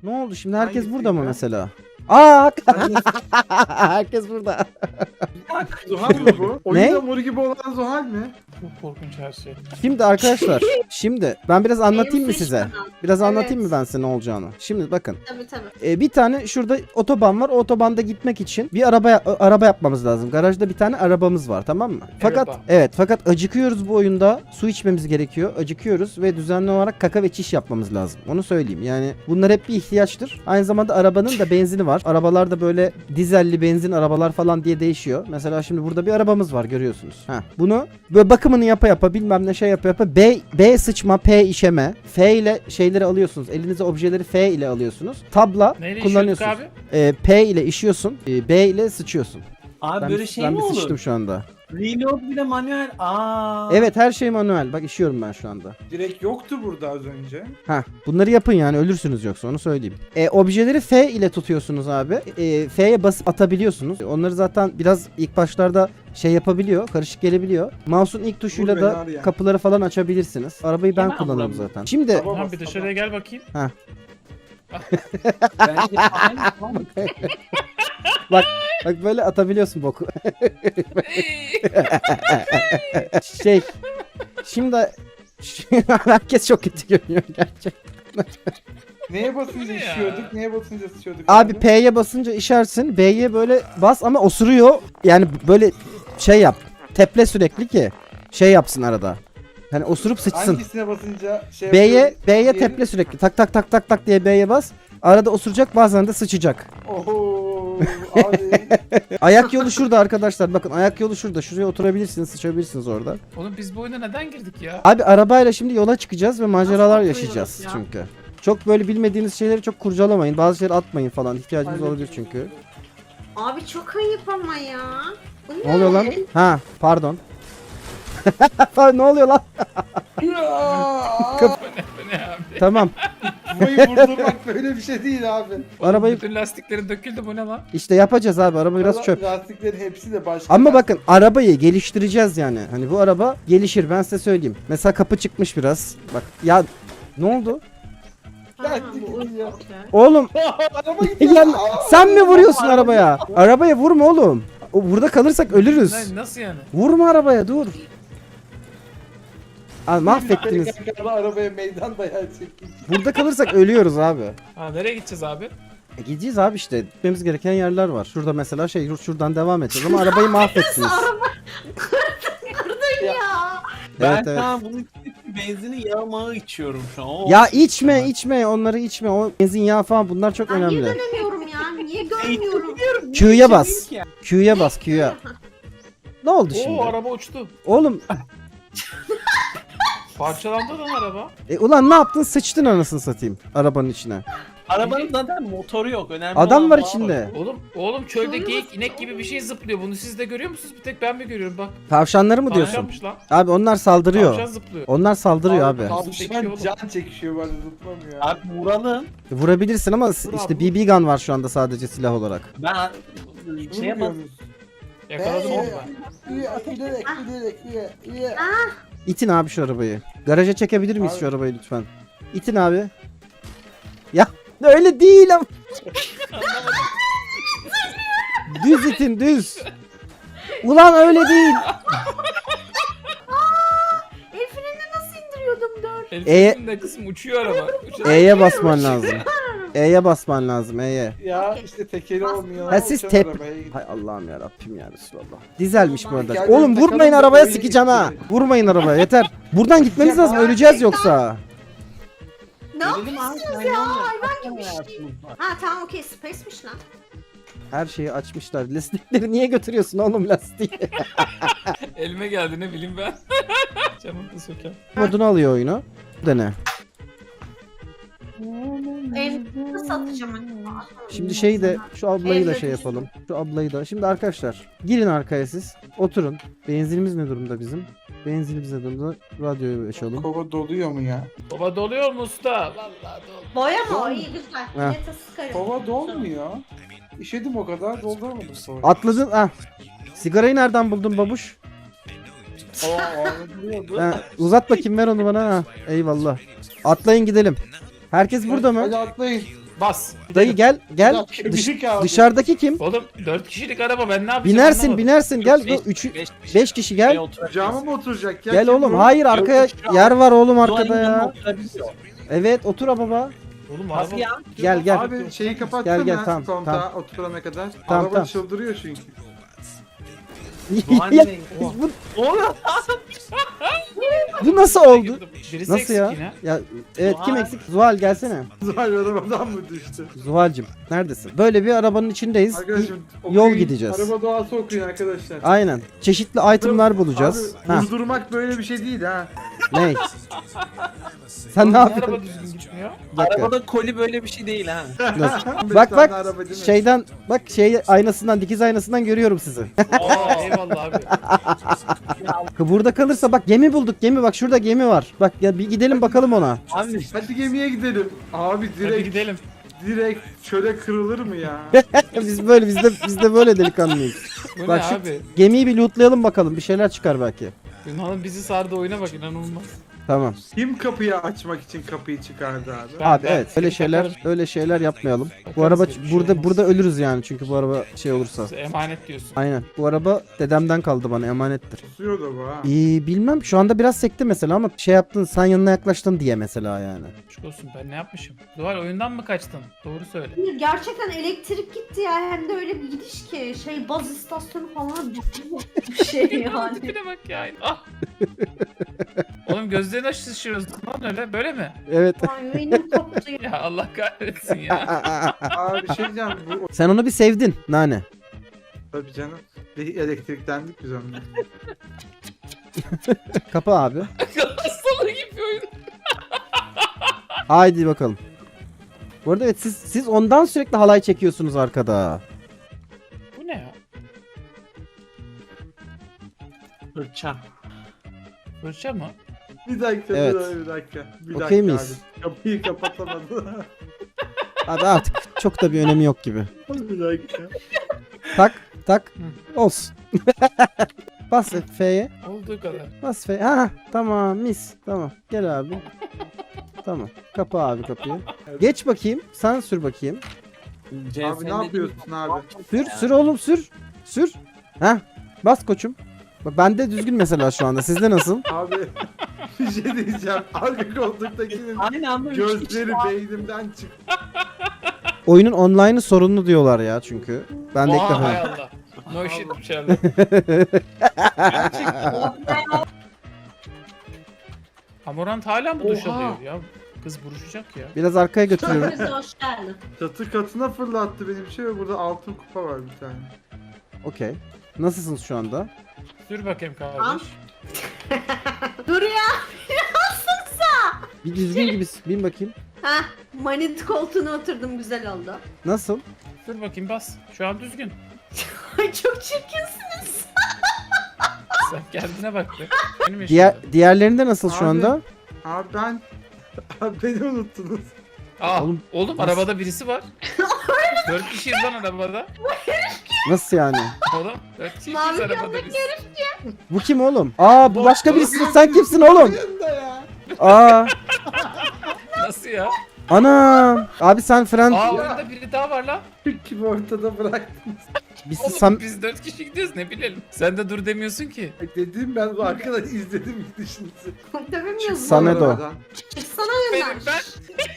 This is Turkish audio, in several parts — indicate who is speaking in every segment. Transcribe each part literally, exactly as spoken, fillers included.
Speaker 1: Ne oldu şimdi? Herkes
Speaker 2: Hangisi
Speaker 1: burada mı
Speaker 2: ya?
Speaker 1: mesela? Aa! Herkes burada.
Speaker 2: Zuhal mı bu? Oyunda mor gibi olan Zuhal mi?
Speaker 3: Çok korkunç her şey.
Speaker 1: Şimdi arkadaşlar, şimdi ben biraz anlatayım mı
Speaker 4: Benim
Speaker 1: size?
Speaker 4: suçum.
Speaker 1: Biraz
Speaker 4: Evet.
Speaker 1: anlatayım mı ben size ne olacağını? Şimdi bakın.
Speaker 4: Tabii tabii.
Speaker 1: e, bir tane şurada otoban var. O otobanda gitmek için bir araba ya- araba yapmamız lazım. Garajda bir tane arabamız var, tamam mı? Fakat
Speaker 3: Araba.
Speaker 1: evet, fakat acıkıyoruz bu oyunda. Su içmemiz gerekiyor. Acıkıyoruz ve düzenli olarak kaka ve çiş yapmamız lazım. Onu söyleyeyim. Yani bunlar hep bir ihtiyaçtır. Aynı zamanda arabanın da benzini var. Arabalar da böyle dizelli benzin arabalar falan diye değişiyor. Mesela şimdi burada bir arabamız var, görüyorsunuz. Ha, bunu böyle bakımını yapa yapa bilmem ne şey yapa yapa B, B sıçma, P işeme, F ile şeyleri alıyorsunuz. Elinize objeleri F ile alıyorsunuz. Tabla
Speaker 3: Neyle işiyorduk
Speaker 1: kullanıyorsunuz.
Speaker 3: abi?
Speaker 1: Ee, P ile işiyorsun. e, B ile sıçıyorsun.
Speaker 5: Abi
Speaker 1: Ben,
Speaker 5: böyle
Speaker 1: bir-
Speaker 5: şey
Speaker 1: ben
Speaker 5: mi
Speaker 1: bir
Speaker 5: olur?
Speaker 1: sıçtım şu anda.
Speaker 5: Reload bile manuel. Aa.
Speaker 1: Evet, her şey manuel. Bak işiyorum ben şu anda.
Speaker 2: Direkt yoktu burada az önce.
Speaker 1: Ha, bunları yapın yani, ölürsünüz yoksa, onu söyleyeyim. E, objeleri F ile tutuyorsunuz abi. E, F'ye basıp atabiliyorsunuz. Onları zaten biraz ilk başlarda şey yapabiliyor, karışık gelebiliyor. Mouse'un ilk tuşuyla
Speaker 2: Vur
Speaker 1: da
Speaker 2: beni arayan.
Speaker 1: kapıları falan açabilirsiniz. Arabayı ben
Speaker 5: Hemen
Speaker 1: kullanırım
Speaker 5: vuramıyorum.
Speaker 1: zaten. Şimdi
Speaker 2: Tamam.
Speaker 3: Tamam bir dışarıya gel bakayım.
Speaker 5: Bence aynı tamam.
Speaker 1: bak böyle atabiliyorsun boku. şey şimdi herkes çok kötü görünüyor gerçekten.
Speaker 2: Neye basınca
Speaker 3: Bu ne ya?
Speaker 2: işiyorduk? Neye basınca sıçıyorduk?
Speaker 1: Abi P'ye basınca işersin. B'ye böyle bas ama osuruyor. Yani böyle şey yap. Teple sürekli ki şey yapsın arada. Hani osurup sıçsın.
Speaker 2: Hangisine basınca şey
Speaker 1: B'ye
Speaker 2: yapıyorum?
Speaker 1: B'ye
Speaker 2: Diğeri-
Speaker 1: teple sürekli. Tak tak tak tak tak diye B'ye bas. Arada osuracak, bazen de sıçacak.
Speaker 2: Oho abi.
Speaker 1: Ayak yolu şurada arkadaşlar. Bakın ayak yolu şurada. Şuraya oturabilirsiniz, sıçabilirsiniz orada.
Speaker 3: Oğlum biz bu oyuna neden girdik ya?
Speaker 1: Abi arabayla şimdi yola çıkacağız ve maceralar
Speaker 4: Nasıl
Speaker 1: yaşayacağız
Speaker 4: oturuyoruz ya?
Speaker 1: çünkü. Çok böyle bilmediğiniz şeyleri çok kurcalamayın. Bazı şeyleri atmayın falan. İhtiyacınız
Speaker 2: Aynen.
Speaker 1: olabilir çünkü.
Speaker 4: Abi çok ayıp ama ya. Bu
Speaker 1: Ne oluyor lan?
Speaker 4: ne?
Speaker 1: Ha, pardon. ne oluyor lan?
Speaker 2: Ya!
Speaker 3: Bu ne abi?
Speaker 1: Tamam.
Speaker 2: Kafayı vurdurmak böyle bir şey değil abi.
Speaker 1: Arabayı
Speaker 3: Bütün lastiklerin döküldü, bu ne lan?
Speaker 1: işte yapacağız abi. Araba biraz çöp.
Speaker 2: Lastiklerin hepsi de başka.
Speaker 1: Ama bakın arabayı geliştireceğiz yani. Hani bu araba gelişir, ben size söyleyeyim. Mesela kapı çıkmış biraz. Bak ya, ne oldu?
Speaker 4: Ha,
Speaker 2: Lastik
Speaker 4: bu
Speaker 2: ya.
Speaker 4: okey.
Speaker 1: Oğlum
Speaker 2: Araba gidiyor.
Speaker 1: ya, sen mi vuruyorsun arabaya? Arabaya vurma oğlum. O, burada kalırsak ölürüz.
Speaker 3: Ne, nasıl yani?
Speaker 1: Vurma arabaya, dur. Abi mahvettiniz.
Speaker 2: Tekrarda arabaya meydan dayağı çekin.
Speaker 1: Burada kalırsak ölüyoruz abi.
Speaker 3: Ha nereye gideceğiz abi?
Speaker 1: E gideceğiz abi işte. Gitmemiz gereken yerler var. Şurada mesela şey, şuradan devam edeceğiz ama arabayı mahvettiniz.
Speaker 4: Ya.
Speaker 5: Ben
Speaker 1: Evet, evet.
Speaker 5: şu an bunun için benzini yağ mağı içiyorum şu an. O
Speaker 1: Ya
Speaker 5: olsun.
Speaker 1: içme içme, onları içme. O benzin, yağ falan, bunlar çok
Speaker 4: Ben niye
Speaker 1: önemli.
Speaker 4: dönemiyorum ya? Niye görmüyorum?
Speaker 1: Q'ya bas. Q'ya bas, Q'ya. Ne oldu şimdi?
Speaker 3: Oo araba uçtu.
Speaker 1: Oğlum
Speaker 3: Parçalandı lan araba.
Speaker 1: e, ulan ne yaptın? Sıçtın anasını satayım arabanın içine.
Speaker 5: Arabanın zaten motoru yok. Önemli
Speaker 1: Adam
Speaker 5: olan
Speaker 1: var
Speaker 5: bağ
Speaker 1: içinde.
Speaker 3: Oğlum oğlum çölde
Speaker 4: Şöyle
Speaker 3: geyik
Speaker 4: nasıl-
Speaker 3: inek gibi bir şey zıplıyor. Bunu siz de görüyor musunuz? Bir tek ben mi görüyorum? Bak.
Speaker 1: Tavşanları mı diyorsun?
Speaker 3: Tavşanmış lan.
Speaker 1: Abi onlar saldırıyor.
Speaker 3: Tavşan zıplıyor.
Speaker 1: Onlar saldırıyor abi.
Speaker 3: Abi,
Speaker 2: Tavşan can çekişiyor böyle zıplamıyor.
Speaker 5: Abi vuralım.
Speaker 1: Vurabilirsin ama s-
Speaker 3: Vur
Speaker 1: işte
Speaker 3: abi.
Speaker 1: B B gun var şu anda sadece silah olarak.
Speaker 5: Ben şey yapalım.
Speaker 2: Vurmuyoruz.
Speaker 3: Yakaladım onu ben.
Speaker 2: İyi, giderek giderek iyi, iyi.
Speaker 1: İtin abi şu arabayı. Garaja çekebilir miyiz
Speaker 2: Abi.
Speaker 1: şu arabayı lütfen? İtin abi. Ya öyle değil ama. Düz itin, düz. Ulan öyle değil.
Speaker 4: El frenini nasıl indiriyordum dur.
Speaker 3: Elif'in de kısım uçuyor araba. Uçuyor.
Speaker 1: E'ye basman lazım. E'ye basman lazım, E'ye.
Speaker 2: Ya işte tekeri olmuyor.
Speaker 1: Ha siz
Speaker 2: uçan
Speaker 1: tep...
Speaker 2: arabaya gidiyor.
Speaker 1: Hay Allah'ım ya Rabbim ya Resulallah. Dizelmiş bu arada.
Speaker 2: Gel,
Speaker 1: Oğlum
Speaker 2: gel,
Speaker 1: vurmayın
Speaker 2: takalım da
Speaker 1: arabaya,
Speaker 2: oyun
Speaker 1: sikeceğim ha.
Speaker 2: geçti.
Speaker 1: Vurmayın arabaya, yeter. Buradan gitmeniz lazım, öleceğiz yoksa.
Speaker 4: Ne
Speaker 5: Gelelim
Speaker 4: yapıyorsunuz
Speaker 5: abi,
Speaker 4: ya?
Speaker 5: sen
Speaker 4: Hayvan gibi
Speaker 5: hayatımız
Speaker 4: şey.
Speaker 5: var.
Speaker 4: Ha tamam okey space'miş lan.
Speaker 1: Her şeyi açmışlar. Lastikleri niye götürüyorsun oğlum, lastiği?
Speaker 3: Elime geldi ne bileyim ben. Camını da söker.
Speaker 1: Modunu alıyor oyunu. Bu da ne?
Speaker 4: El nasıl atacağım acaba?
Speaker 1: Şimdi şey de şu ablayı da
Speaker 4: Elle
Speaker 1: şey
Speaker 4: düştü.
Speaker 1: yapalım. Şu ablayı da. Şimdi arkadaşlar girin arkaya siz. Oturun. Benzinimiz ne durumda bizim? Benzinimiz ne durumda? Radyoyu açalım.
Speaker 2: Kova doluyor mu ya?
Speaker 3: Baba doluyor mu usta? Vallahi dolu.
Speaker 4: Boya mı o? İyi güzel.
Speaker 1: Ha.
Speaker 4: Millete sıkarım.
Speaker 2: Kova dolmuyor. İşedim o kadar dolduramadım sonra.
Speaker 1: Atladın. Ah. Sigarayı nereden buldun babuş?
Speaker 2: Aa, ağrıyordu.
Speaker 1: Ha, uzat bakayım, ver onu bana. Ha. Eyvallah. Atlayın gidelim. Herkes burada mı?
Speaker 2: Hadi atlayın.
Speaker 3: Bas.
Speaker 1: Dayı gel gel.
Speaker 5: Bir dakika,
Speaker 1: Dış-
Speaker 5: bir kaldı.
Speaker 1: dışarıdaki kim?
Speaker 3: Oğlum dört kişilik araba ben ne yapacağım
Speaker 1: Binersin
Speaker 3: anlamadım.
Speaker 1: binersin gel.
Speaker 5: Beş-
Speaker 1: Üç,
Speaker 5: beş-
Speaker 1: beş kişi gel.
Speaker 2: Kucağıma mı oturacak ya?
Speaker 1: Gel
Speaker 2: Kim
Speaker 1: oğlum.
Speaker 2: bu?
Speaker 1: Hayır arkaya
Speaker 5: Yok, yok.
Speaker 1: yer var oğlum arkada
Speaker 5: Duvarın yanına
Speaker 1: ya.
Speaker 5: oturabiliyor.
Speaker 1: Evet otur baba.
Speaker 3: Oğlum
Speaker 5: Nasıl
Speaker 3: araba.
Speaker 5: ya?
Speaker 1: Gel gel.
Speaker 2: Abi şeyi kapatsana.
Speaker 1: Gel, gel, tamam,
Speaker 2: kontağı
Speaker 1: tamam.
Speaker 2: oturana kadar.
Speaker 1: Tamam,
Speaker 2: Araba
Speaker 1: tamam.
Speaker 2: çıldırıyor çünkü.
Speaker 5: Doğan
Speaker 1: Ya,
Speaker 5: nereye?
Speaker 1: bu,
Speaker 5: Oğlum.
Speaker 1: bu nasıl oldu?
Speaker 3: Birisi
Speaker 1: Nasıl
Speaker 3: eksik
Speaker 1: ya?
Speaker 3: yine.
Speaker 1: Ya evet kim
Speaker 5: Zuhal.
Speaker 1: eksik? Zuhal gelsene.
Speaker 2: Zuhal arabadan mı düştü?
Speaker 1: Zuhal'cim neredesin? Böyle bir arabanın içindeyiz.
Speaker 2: Arkadaşım
Speaker 1: Yol
Speaker 2: okuyun,
Speaker 1: gideceğiz.
Speaker 2: Araba doğası okuyun arkadaşlar.
Speaker 1: Aynen. Çeşitli itemlar bulacağız.
Speaker 2: Abi
Speaker 1: Ha,
Speaker 2: vurdurmak böyle bir şey değil ha.
Speaker 1: ne? Sen ne
Speaker 3: Niye
Speaker 1: yapıyorsun?
Speaker 3: araba düzgün gitmiyor?
Speaker 1: Bir dakika.
Speaker 5: Arabada koli böyle bir şey değil ha.
Speaker 1: Nasıl?
Speaker 2: beş
Speaker 1: Bak
Speaker 2: tane
Speaker 1: bak
Speaker 2: araba değil mi?
Speaker 1: şeyden bak şey aynasından dikiz aynasından görüyorum sizi.
Speaker 3: Aa eyvallah abi.
Speaker 1: Burada kalırsa bak gemi bulduk gemi bak şurada gemi var. Bak ya bir gidelim bakalım ona.
Speaker 5: Abi
Speaker 2: Hadi gemiye gidelim. Abi
Speaker 3: Hadi
Speaker 2: direkt
Speaker 3: gidelim.
Speaker 2: direkt çöle kırılır mı ya?
Speaker 1: Biz böyle biz de biz de böyle delikanlıyız.
Speaker 3: Bu
Speaker 1: Bak
Speaker 3: ne
Speaker 1: şu-
Speaker 3: abi?
Speaker 1: Gemiyi bir lootlayalım bakalım bir şeyler çıkar belki.
Speaker 3: Yunan'ın bizi sardı oyuna bak inanılmaz.
Speaker 1: Tamam.
Speaker 2: Kim kapıyı açmak için kapıyı çıkardı abi?
Speaker 3: Ben-
Speaker 1: Abi
Speaker 3: ben
Speaker 1: evet öyle
Speaker 3: seni
Speaker 1: şeyler
Speaker 3: bakarım.
Speaker 1: öyle şeyler yapmayalım. Bu
Speaker 3: Bakarız
Speaker 1: araba
Speaker 3: ya, bir şey
Speaker 1: burada
Speaker 3: olmaz.
Speaker 1: burada ölürüz yani çünkü bu araba şey olursa.
Speaker 3: Emanet diyorsun.
Speaker 1: Aynen. Bu araba dedemden kaldı bana emanettir.
Speaker 2: Susuyor da bu ha.
Speaker 1: Ee, bilmem şu anda biraz sekti mesela ama şey yaptın sen yanına yaklaştın diye mesela yani.
Speaker 3: Aşk olsun ben ne yapmışım? Zuhal oyundan mı kaçtın? Doğru söyle.
Speaker 4: Hayır, gerçekten elektrik gitti ya. Hem de öyle bir gidiş ki. Şey baz istasyonu falan bir şey yani.
Speaker 3: Tipine bak ya. Ah. Oğlum gözlerini aç şişiriyorsun lan öyle. Böyle mi?
Speaker 1: Evet.
Speaker 4: Ay benim koptu ya.
Speaker 3: Ya Allah kahretsin ya.
Speaker 2: Abi şey diyeceğim bu
Speaker 1: Sen onu bir sevdin Nane.
Speaker 2: tabii canım. Bir elektriklendik biz onunla.
Speaker 1: Kapı abi.
Speaker 3: Hastalığı gibi oyun.
Speaker 1: Haydi bakalım. Bu arada evet siz siz ondan sürekli halay çekiyorsunuz arkada.
Speaker 3: Bu ne ya?
Speaker 5: fırça.
Speaker 3: Fırça mı?
Speaker 2: Bir dakika
Speaker 1: Evet.
Speaker 2: bir dakika bir dakika. Bir
Speaker 1: Okey
Speaker 2: dakika
Speaker 1: miyiz?
Speaker 2: abi. Kapıyı kapatamadı.
Speaker 1: Abi artık çok da bir önemi yok gibi.
Speaker 2: bir dakika.
Speaker 1: Tak tak olsun. Bas F'ye.
Speaker 3: Olduğu kadar.
Speaker 1: Bas F'ye. Ha tamam mis. Tamam gel abi. Tamam. Kapa abi kapıyı. Geç bakayım. Sen sür bakayım.
Speaker 2: Abi ne yapıyorsun abi?
Speaker 1: Sür sür oğlum sür. Sür. Ha bas koçum. Bak bende düzgün mesela şu anda. Sizde nasıl?
Speaker 2: Abi bir şey diyeceğim. Arka koltuktakinin
Speaker 5: Aynı anda üç kişi
Speaker 2: gözleri
Speaker 5: var.
Speaker 2: beynimden çıktı.
Speaker 1: Oyunun online'ı sorunlu diyorlar ya çünkü. Ben de ilk
Speaker 3: Oha hay
Speaker 1: defa.
Speaker 3: Allah. No shit içeride. Amorant hala mı duş
Speaker 4: Oha.
Speaker 3: alıyor ya? Kız buruşacak ya.
Speaker 1: Biraz arkaya götürüyorum.
Speaker 4: Hepinize hoş geldin.
Speaker 2: Çatı katına fırlattı benim şey ve burada altın kupa var bir tane.
Speaker 1: Okey. Nasılsınız şu anda?
Speaker 3: Sür bakayım
Speaker 4: Tamam.
Speaker 3: kardeş.
Speaker 4: Dur ya.
Speaker 1: Bir düzgün gibi bin bakayım.
Speaker 4: Heh, manit koltuğuna oturdum, güzel oldu.
Speaker 1: Nasıl?
Speaker 3: Sür bakayım bas. Şu an düzgün.
Speaker 4: Ay çok çirkinsiniz.
Speaker 3: Sen kendine bak be. Benim
Speaker 1: Diğer
Speaker 3: yaşımda.
Speaker 1: diğerlerinde nasıl şu
Speaker 2: Abi.
Speaker 1: anda?
Speaker 2: Abi ben... Abi beni unuttunuz.
Speaker 3: Aa,
Speaker 1: Oğlum,
Speaker 3: oğlum,
Speaker 1: nasıl?
Speaker 3: arabada birisi var. Dört kişiyiz lan arabada.
Speaker 1: Nasıl yani?
Speaker 3: Oğlum dört kişiyiz
Speaker 4: Mavi
Speaker 3: arabada biz.
Speaker 1: Bu kim oğlum? Aa bu başka birisi.
Speaker 2: Nasıl
Speaker 1: Sen kimsin oğlum?
Speaker 2: Yanında ya.
Speaker 1: Aa
Speaker 3: Nasıl ya?
Speaker 1: ana. Abi sen fren
Speaker 3: Aa oyunda biri daha var lan.
Speaker 2: Kim ortada bıraktınız.
Speaker 1: biz
Speaker 3: Oğlum
Speaker 1: sam
Speaker 3: biz dört kişi gidiyoruz ne bilelim. Sen de dur demiyorsun ki.
Speaker 2: Dediğim ben bu arkadan izledim gidişinizi.
Speaker 4: Dövemiyorsun.
Speaker 1: Sana da o.
Speaker 2: Arabadan.
Speaker 4: Çıksana
Speaker 3: Benim
Speaker 4: önden.
Speaker 3: ben.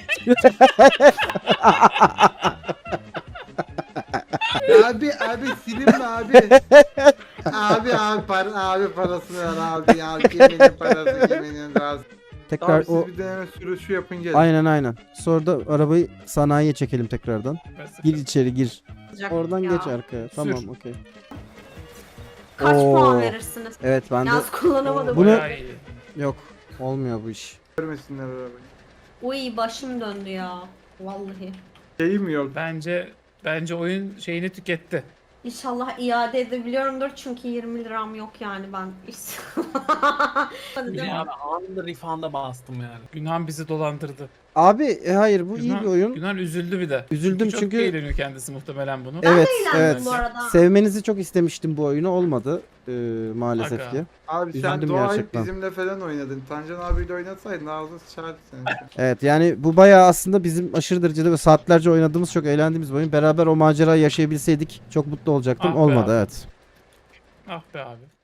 Speaker 2: Abi abi silin mi abi? Abi abi para abi parasını ver abi ya. Kiminin parası kiminin razı.
Speaker 1: tekrar
Speaker 2: Abi siz
Speaker 1: o
Speaker 2: bir deneme sürüşü yapın gelin.
Speaker 1: aynen aynen. Sonra da arabayı sanayiye çekelim tekrardan.
Speaker 3: Ben
Speaker 1: Gir
Speaker 3: sıfır.
Speaker 1: içeri gir. Oradan
Speaker 4: Ya.
Speaker 1: geç arkaya. Tamam okey.
Speaker 4: Kaç
Speaker 1: Oo.
Speaker 4: puan verirsiniz?
Speaker 1: Evet ben de
Speaker 4: Yalnız kullanamadım.
Speaker 1: Bunu-
Speaker 3: Bayağı iyi.
Speaker 1: yok. Olmuyor bu iş.
Speaker 2: Görmesinler arabayı.
Speaker 4: Uy başım döndü ya. Vallahi.
Speaker 2: Şeyim yok.
Speaker 3: Bence bence oyun şeyini tüketti.
Speaker 4: İnşallah iade edebiliyorumdur çünkü yirmi liram yok yani ben. Hadi
Speaker 5: Bir
Speaker 4: devam.
Speaker 5: abi anında refund'a bastım yani.
Speaker 3: Günhan bizi dolandırdı.
Speaker 1: Abi e, hayır bu iyi
Speaker 3: Günhan-
Speaker 1: bir oyun.
Speaker 3: Günhan üzüldü bir de.
Speaker 1: Üzüldüm
Speaker 3: çok
Speaker 1: çünkü-
Speaker 3: eğleniyor kendisi muhtemelen bunu.
Speaker 1: Evet
Speaker 4: eğlendim
Speaker 1: evet.
Speaker 4: bu arada.
Speaker 1: Sevmenizi çok istemiştim bu oyunu, olmadı e, maalesef
Speaker 3: Aga.
Speaker 1: ki.
Speaker 2: Abi sen
Speaker 1: Üzüldüm
Speaker 2: doğayı
Speaker 1: gerçekten.
Speaker 2: bizimle falan oynadın. Tancan abiyle oynatsaydın ağzı sıçardı senin.
Speaker 1: Evet yani bu bayağı aslında bizim aşırı derecede ve saatlerce oynadığımız, çok eğlendiğimiz bir oyun. Beraber o macerayı yaşayabilseydik çok mutlu olacaktım.
Speaker 3: Ah be
Speaker 1: Olmadı
Speaker 3: abi.
Speaker 1: evet.
Speaker 3: Ah be abi.